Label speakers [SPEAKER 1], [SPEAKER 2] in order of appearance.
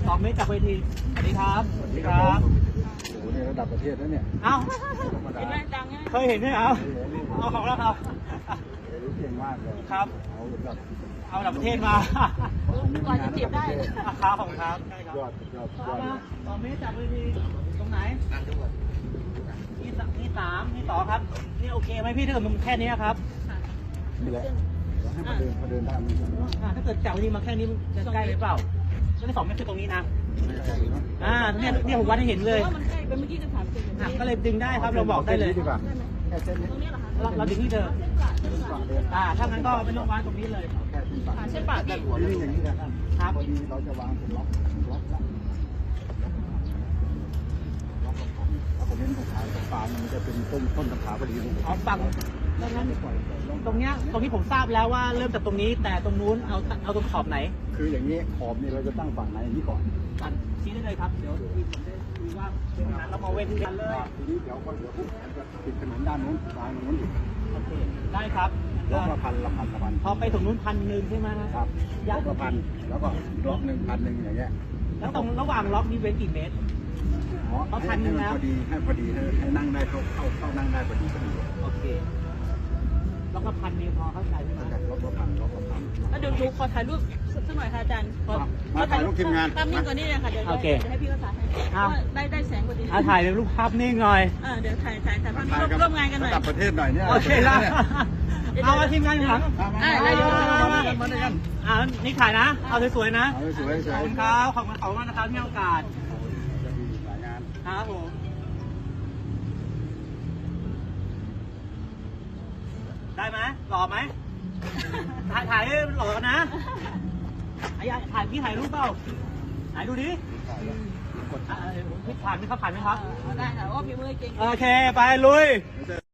[SPEAKER 1] 2 เมตรจากเวทีสวัสดีครับสวัสดีครับ
[SPEAKER 2] โอ้โหในระดับประเทศแล้วเนี่ย
[SPEAKER 1] เอ้า
[SPEAKER 3] เห็นไหมดังใช่ไหม
[SPEAKER 1] เคยเห็นไหมเอาเอาของแล้วครับ
[SPEAKER 2] เก่งมากเลย
[SPEAKER 1] ครับ
[SPEAKER 2] เอาแบบ
[SPEAKER 1] เอาจากประเทศมา
[SPEAKER 3] ก่อนจะจีบได้
[SPEAKER 1] ครับของครับใช่ครับ
[SPEAKER 2] ยอดยอดยอด
[SPEAKER 1] มา2 เมตรจากเวทีตรงไหนนี่3นี่2ครับนี่โอเคไหมพี่ถ้าเกิดมันแค่นี้ครับ
[SPEAKER 2] นี่แหละให้มาเดินได้มัน
[SPEAKER 1] ถ้าเกิดจากเวทีมาแค่นี้จะใกล้หรือเปล่าก็ได้2 เมตรคือตรงนี้นะ
[SPEAKER 2] ไม่ใช่เนาะ
[SPEAKER 1] เนี่ยผมวัดให้เห็นเลย
[SPEAKER 3] ว่ามันใกล้ไปเมื่อกี้จะถามเจน
[SPEAKER 1] ก็เลยดึงได้ครับเราบอกได้เลย
[SPEAKER 2] ดีกว่าแค่เส้นนี้
[SPEAKER 3] ตรงนี้เหรอคะ
[SPEAKER 1] เราดึงที่เดิม
[SPEAKER 2] ฝั่งเดิน
[SPEAKER 1] ถ้างั้นก็ไม่ต้องวางตรงนี้เลย
[SPEAKER 2] แค่เส้นฝั่ง
[SPEAKER 3] เส้นปาก
[SPEAKER 2] แต่หัวนี่อย่างนี้นะท่าน
[SPEAKER 1] ครับ
[SPEAKER 2] พอดีเราจะวางเป็นล็อกกันแล้วผมเน้นตรงขาตรงปลายมันจะเป็นต้นตะขาพอดีเลย
[SPEAKER 1] เอาฝั่งดังนั้นตรงนี้ผมทราบแล้วว่าเริ่มจากตรงนี้แต่ตรงนู้นเอาตรงขอบไหน
[SPEAKER 2] คืออย่างนี้ขอบนี่เราจะตั้งฝั่งไหนนี่ก่อน
[SPEAKER 1] ตัดชี้ได้เลยครับเดี๋ยวผมได้ดูว่าเป็นนั้นเรามาเว้นกันเลย
[SPEAKER 2] ทีนี้เดี๋ยวก็เดี๋ยวจะปิดถนนด้านนู้นซ้ายนู้นอีก
[SPEAKER 1] โอเคได้ครับ
[SPEAKER 2] ล็อกละพัน
[SPEAKER 1] พอไปถึงนู้น1,000ใช่ไหม
[SPEAKER 2] ครับล็อกละพันแล้วก็ล็อก1,000อย่างเงี้ย
[SPEAKER 1] แล้วตรงระหว่างล็อกนี้เว้นกี่เมตร
[SPEAKER 2] เอาพันนึงนะพอดีให้นั่งได้เข้านั่งได้พอดี
[SPEAKER 1] โอเคล็อกละ1,000นี่พอเข้าใจใช่ไหม
[SPEAKER 2] ล็อกละพัน
[SPEAKER 3] แล้วเดี๋ยวดูขอถ่ายรูปสักหน่อยค่ะอาจารย์
[SPEAKER 2] มาถ่ายรูปทีมงาน
[SPEAKER 3] ตามนิ่งกว่านี้เลยค่ะเดี๋ยวให้พี่เขาถ่ายให้ได้แสงกว่านี้
[SPEAKER 1] ถ่ายรูปภาพนิ่งหน่อย
[SPEAKER 3] เดี๋ยวถ่ายร่วมงานกันหน่อย
[SPEAKER 2] ระดับประเทศหน่อยเนี่ย
[SPEAKER 1] โอเคละเอามาทีมงานหลัง
[SPEAKER 3] ได้เดี๋ยว
[SPEAKER 2] มาด้วยกัน
[SPEAKER 1] นี่ถ่ายนะ เอาสวยๆนะ
[SPEAKER 2] สวย
[SPEAKER 1] ขอบคุณครับขอบคุณมากนะครับที่ให้โอกาส
[SPEAKER 2] จะมีหลายงาน
[SPEAKER 1] ครับผมได้ไหมหล่อไหมถ่ายหล่อนะถ่ายพี่ถ่ายรูปเปล่าถ่ายดูดิผ่านไหมครับ
[SPEAKER 3] ได้ค่ะว่าพี่มือเก่ง
[SPEAKER 1] โอเค ไปลุย